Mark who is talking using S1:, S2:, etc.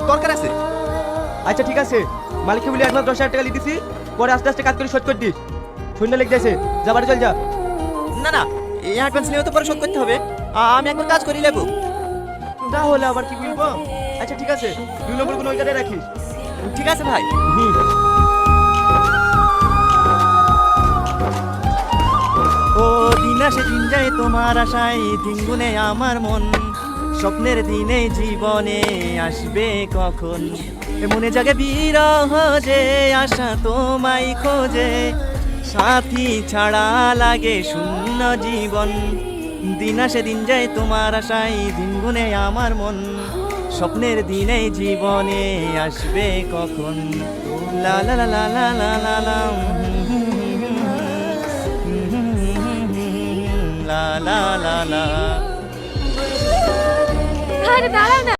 S1: দরকার আছে।
S2: আচ্ছা ঠিক আছে, মালিককে বলে অ্যাডভান্স 10,000 টাকা লিখেছি, পরে আস্তে আস্তে কাজ করে শোধ করে দিস। শূন্য লিখ যাচ্ছে, যা বাড়ি চল যা।
S1: না না, এই অ্যাডভান্স নিয়ে তো পরে শোধ করতে হবে। আমি একবার কাজ করে নেবো।
S2: তাহলে আবার কি বলবো? আচ্ছা ঠিক আছে, 2 নম্বর কোন ওই কার্ডে রাখিস।
S1: ঠিক আছে ভাই।
S2: হুম।
S1: ও দিন আসে দিন যায় তোমার আশায়, দিন গুনে আমার মন, স্বপ্নের দিনে জীবনে আসবে কখন, মনে জাগে বিরহ যে আশা তোমায় খোঁজে, সাথী ছাড়া লাগে শূন্য জীবন। দিন আসে দিন যায় তোমার আশায়, দিন গুনে আমার মন, স্বপ্নের দিনে জীবনে আসবে কখন। লা লা লা লা লা লা লা লা, লা লা লা লা।
S3: আরে দাঁড়াও না।